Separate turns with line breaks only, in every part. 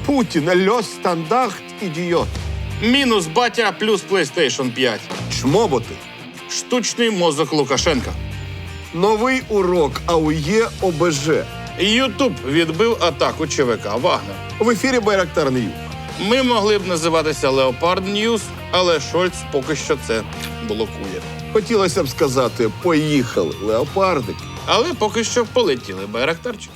Путін, льос стандарт, ідіот.
Мінус батя плюс PlayStation 5.
Чмоботи.
Штучний мозок Лукашенка.
Новий урок АУЄ ОБЖ.
Ютуб відбив атаку ЧВК «Вагнер».
В ефірі Байрактар Ньюс.
Ми могли б називатися «Леопард Ньюс», але Шольц поки що це блокує.
Хотілося б сказати, поїхали, леопардики.
Але поки що полетіли байрактарчики.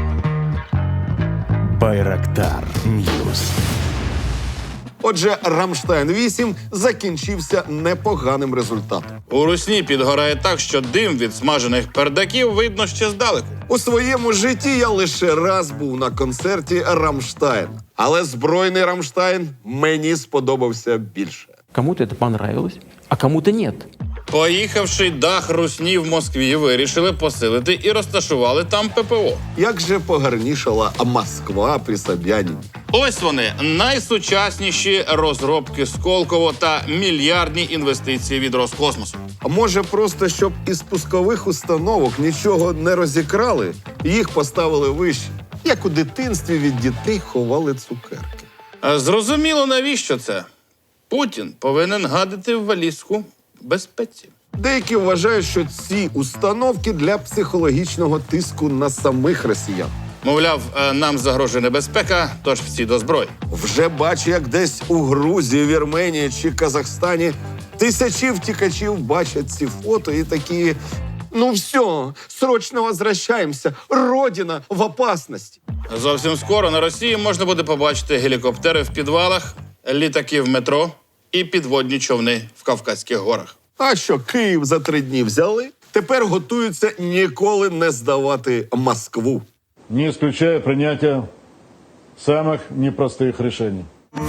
Байрактар Ньюс.
Отже, «Рамштайн-8» закінчився непоганим результатом.
У Русні підгорає так, що дим від смажених пердаків видно ще здалеку.
У своєму житті я лише раз був на концерті «Рамштайна». Але збройний «Рамштайн» мені сподобався більше.
Кому-то это понравилось, а кому-то нет.
Поїхавши дах Русні в Москві, вирішили посилити і розташували там ППО.
Як же погарнішала Москва при Собянині.
Ось вони, найсучасніші розробки Сколково та мільярдні інвестиції від Роскосмосу.
А може просто, щоб із пускових установок нічого не розікрали, їх поставили вище, як у дитинстві від дітей ховали цукерки.
А зрозуміло, навіщо це? Путін повинен гадити в валізку безпеці.
Деякі вважають, що ці установки для психологічного тиску на самих росіян.
Мовляв, нам загрожує небезпека, тож всі до зброї.
Вже бачу, як десь у Грузії, Вірменії чи Казахстані тисячі втікачів бачать ці фото і такі: ну все, срочно возвращаємося, родина в опасності.
Зовсім скоро на Росії можна буде побачити гелікоптери в підвалах, літаки в метро і підводні човни в Кавказьких горах.
А що, Київ за 3 дні взяли? Тепер готуються ніколи не здавати Москву.
Не исключая принятия самых непростых решений.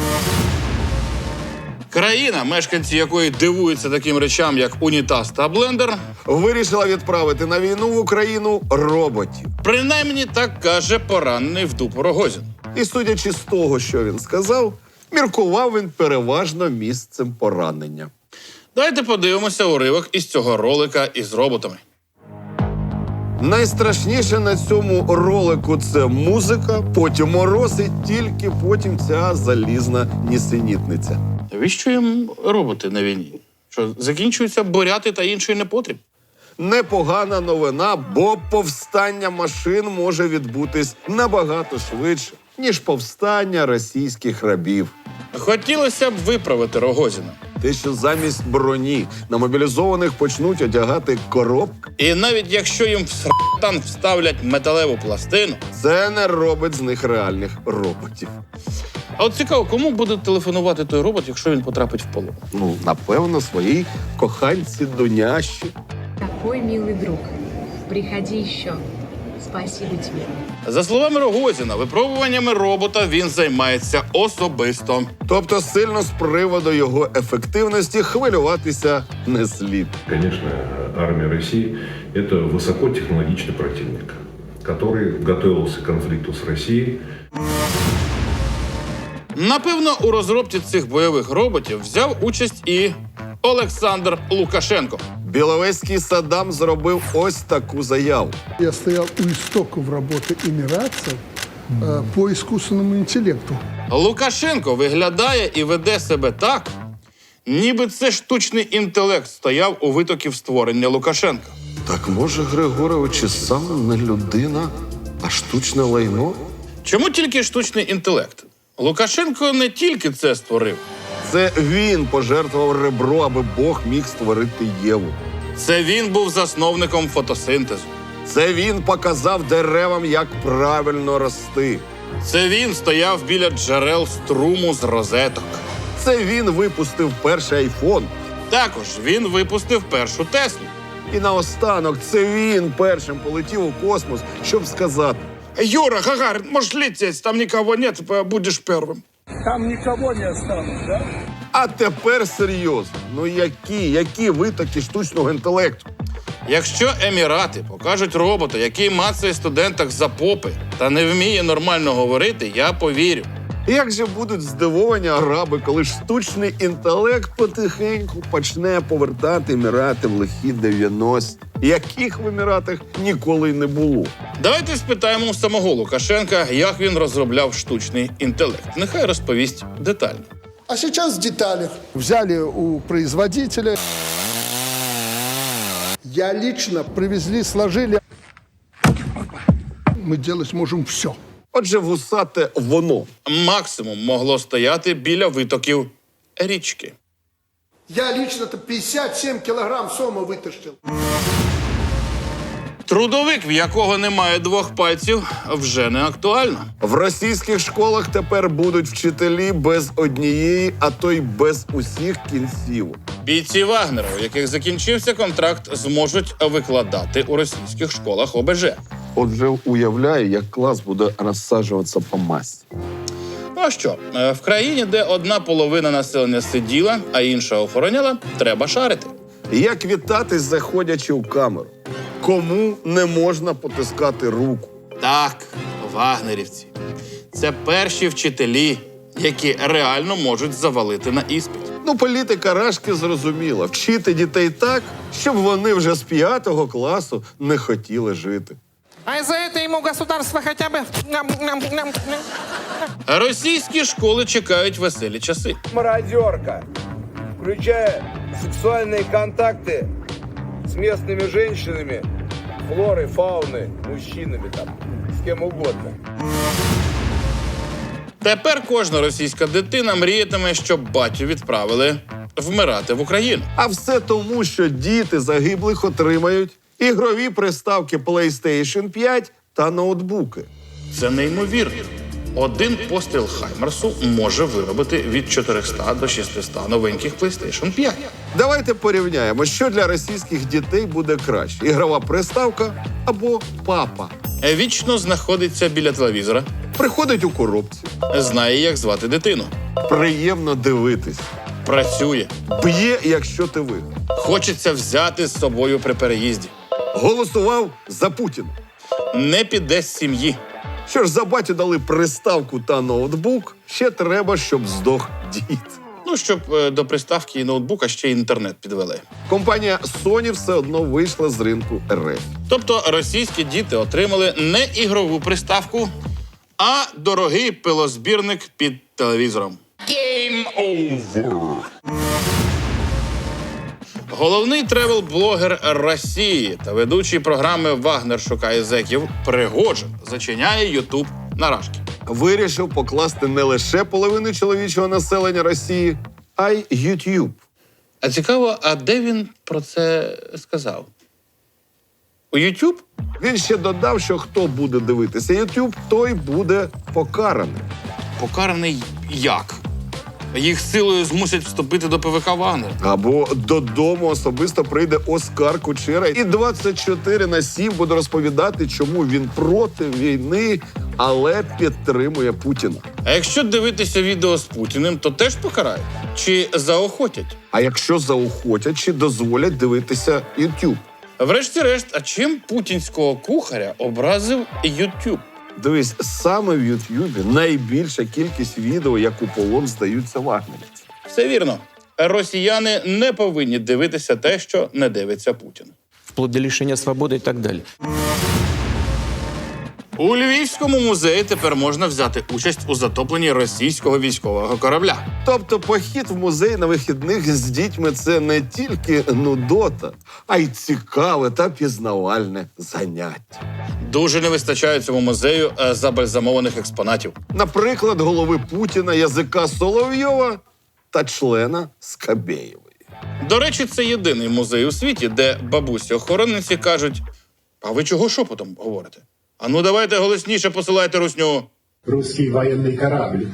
Країна, мешканці якої дивуються таким речам, як унітаз та блендер,
Вирішила відправити на війну в Україну роботів.
принаймні так каже поранений в дупу Рогозін.
І судячи з того, що він сказав, міркував він переважно місцем поранення.
Давайте подивимося уривок із цього ролика із роботами.
Найстрашніше на цьому ролику – це музика, потім мороз і тільки потім ця залізна нісенітниця.
Навіщо їм роботи на війні? Що, закінчуються буряти та інший непотріб?
Непогана новина, бо повстання машин може відбутись набагато швидше, ніж повстання російських рабів.
Хотілося б виправити Рогозіна.
Те, що замість броні на мобілізованих почнуть одягати коробки,
І навіть якщо їм в сратан вставлять металеву пластину,
це не робить з них реальних роботів.
а от цікаво, кому буде телефонувати той робот, якщо він потрапить в полон?
Ну, напевно, своїй коханці Дуняші.
Такой милый друг. Приходи еще. Спасибо тебе.
За словами Рогозіна, випробуваннями робота він займається особисто.
Тобто сильно з приводу його ефективності хвилюватися не слід.
Конечно, армия России – это высокотехнологичный противник, который готовился к конфликту с Россией.
Напевно, у розробці цих бойових роботів взяв участь і Олександр Лукашенко.
Біловезький Саддам зробив ось таку заяву.
Я стоял у истоков работы эмиратцев по искусственному интеллекту.
Лукашенко виглядає і веде себе так, ніби це штучний інтелект стояв у витоків створення Лукашенка.
Так може Григорович і сам не людина, а штучне лайно?
Чому тільки штучний інтелект? Лукашенко не тільки це створив.
Це він пожертвував ребро, аби Бог міг створити Єву.
Це він був засновником фотосинтезу.
Це він показав деревам, як правильно рости.
Це він стояв біля джерел струму з розеток.
Це він випустив перший айфон.
Також він випустив першу Теслу.
І наостанок це він першим полетів у космос, щоб сказати:
Юра, Гагарин, можеш лететь, там нікого нет, будеш першим.
Там никого не осталось, да?
а тепер серйозно. Ну які витоки штучного інтелекту?
Якщо Емірати покажуть робота, який мацає студентах за попи та не вміє нормально говорити, я повірю.
Як же будуть здивовані араби, коли штучний інтелект потихеньку почне повертати Емірати в лихі 90-ті, яких в Еміратах ніколи й не було.
Давайте спитаємо у самого Лукашенка, як він розробляв штучний інтелект. Нехай розповість детально.
А сейчас в деталях. Взяли у производителя. Я лично привезли, сложили. Мы делать можем все.
Отже, вусате воно.
Максимум могло стояти біля витоків річки.
Я лично-то 57 килограмм сома вытащил.
Трудовик, в якого немає двох пальців, вже не актуально.
В російських школах тепер будуть вчителі без однієї, а то й без усіх кінцівок.
Бійці Вагнера, у яких закінчився контракт, зможуть викладати у російських школах ОБЖ.
Отже, уявляю, як клас буде розсаджуватися по масі.
Ну а що, в країні, де одна половина населення сиділа, а інша охороняла, треба шарити.
Як вітатись, заходячи у камеру? Кому не можна потискати руку?
Так, вагнерівці. Це перші вчителі, які реально можуть завалити на іспит.
Ну, політика Рашки зрозуміла. Вчити дітей так, щоб вони вже з 5 класу не хотіли жити.
А за это ему государство хотя бы...
Російські школи чекають веселі часи.
Мародерка, включая сексуальные контакты с местными женщинами, флорой, фауной, мужчинами там, с кем угодно.
Тепер кожна російська дитина мріятиме, щоб батю відправили вмирати в Україну.
А все тому, що діти загиблих отримають ігрові приставки PlayStation 5 та ноутбуки.
Це неймовірно. Один постріл Хаймерсу може виробити від 400 до 600 новеньких PlayStation 5.
Давайте порівняємо, що для російських дітей буде краще: ігрова приставка або папа.
Вічно знаходиться біля телевізора,
Приходить у коробці,
знає, як звати дитину,
приємно дивитись,
працює,
б'є, якщо ти виграв.
хочеться взяти з собою при переїзді.
Голосував за Путіна.
Не піде з сім'ї.
Що ж, за батю дали приставку та ноутбук, ще треба, щоб здох дід.
Ну, щоб до приставки і ноутбука ще й інтернет підвели.
Компанія Sony все одно вийшла з ринку РФ.
Тобто російські діти отримали не ігрову приставку, а дорогий пилозбірник під телевізором. Game over! Головний тревел-блогер Росії та ведучий програми «Вагнер шукає зеків» Пригожин зачиняє Ютуб на рашки.
Вирішив покласти не лише половину чоловічого населення Росії, а й YouTube.
А цікаво, а де він про це сказав? У Ютуб?
Він ще додав, що хто буде дивитися YouTube, той буде покараний.
Покараний як? Їх силою змусять вступити до ПВК Вагнер.
Або додому особисто прийде Оскар Кучера і 24/7 буде розповідати, чому він проти війни, але підтримує Путіна.
А якщо дивитися відео з Путіним, то теж покарають? Чи заохотять?
А якщо заохотять, чи дозволять дивитися YouTube?
Врешті-решт, а чим путінського кухаря образив Ютуб?
Дивись, саме в Ютубі найбільша кількість відео, як у полон здаються вагнерівці.
Все вірно. Росіяни не повинні дивитися те, що не дивиться Путін.
Вплоть до лишения свободы и так далее.
У Львівському музеї тепер можна взяти участь у затопленні російського військового корабля.
Тобто похід в музей на вихідних з дітьми – це не тільки нудота, а й цікаве та пізнавальне заняття.
Дуже не вистачає цьому музею забальзамованих експонатів.
Наприклад, голови Путіна, язика Соловйова та члена Скабєєвої.
До речі, це єдиний музей у світі, де бабусі-охоронниці кажуть: «А ви чого шепотом говорите? А ну давайте голосніше посилайте русню».
Русский военный корабль.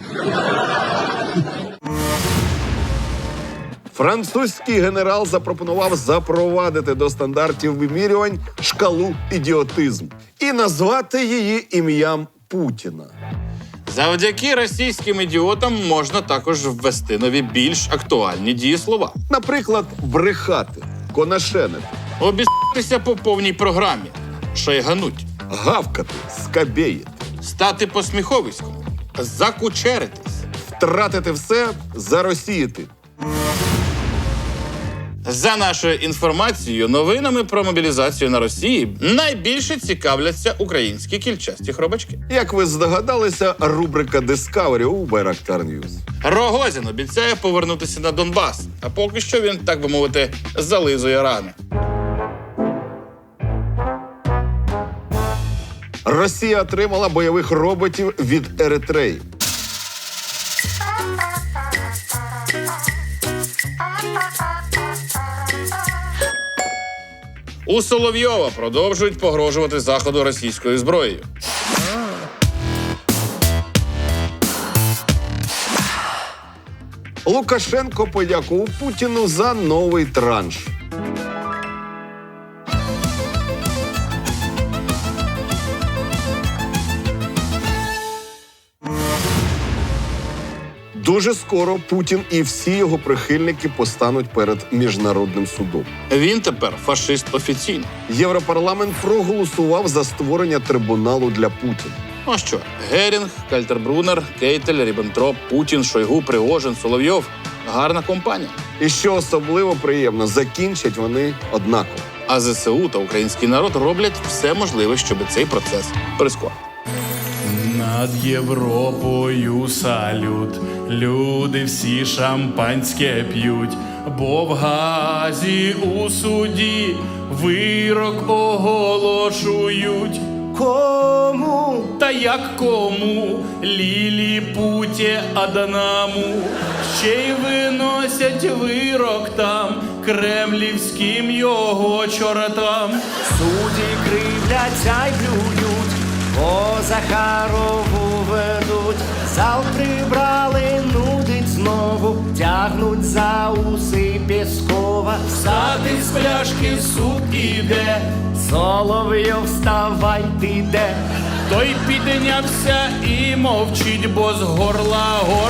Французький генерал запропонував запровадити до стандартів вимірювань шкалу ідіотизму і назвати її ім'ям Путіна.
Завдяки російським ідіотам можна також ввести нові більш актуальні дієслова.
Наприклад, брехати, конашенити,
Обіс**тися по повній програмі, шайгануть,
гавкати, скабєїти.
стати посміховиськом, закучеритись.
Втратити все, заросіяти.
За нашою інформацією, новинами про мобілізацію на Росії найбільше цікавляться українські кільчасті хробачки.
Як ви здогадалися, рубрика Discovery у Байрактар News.
Рогозін обіцяє повернутися на Донбас, а поки що він, так би мовити, зализує рани.
Росія отримала бойових роботів від Еритреї.
У Соловйова продовжують погрожувати Заходу російською зброєю.
Лукашенко подякував Путіну за новий транш. Дуже скоро Путін і всі його прихильники постануть перед міжнародним судом.
Він тепер фашист офіційно.
Європарламент проголосував за створення трибуналу для Путіна.
Ну а що? Герінг, Кальтербрунер, Кейтель, Ріббентроп, Путін, Шойгу, Пригожин, Соловйов – гарна компанія.
І що особливо приємно, закінчать вони однаково.
А ЗСУ та український народ роблять все можливе, щоб цей процес прискорити.
Над Європою салют, люди всі шампанське п'ють, бо в Газі у суді вирок оголошують. Кому? Та як кому? Ліліпуті Адаму. Ще й виносять вирок там, кремлівським його чортам.
Судді кривляться й плюють, по Захарову ведуть. Зал прибрали, нудить знову, тягнуть за уси Пєскова.
Стати з пляшки суд іде,
Соловйов, вставай, ти де?
той піднявся і мовчить, бо з горла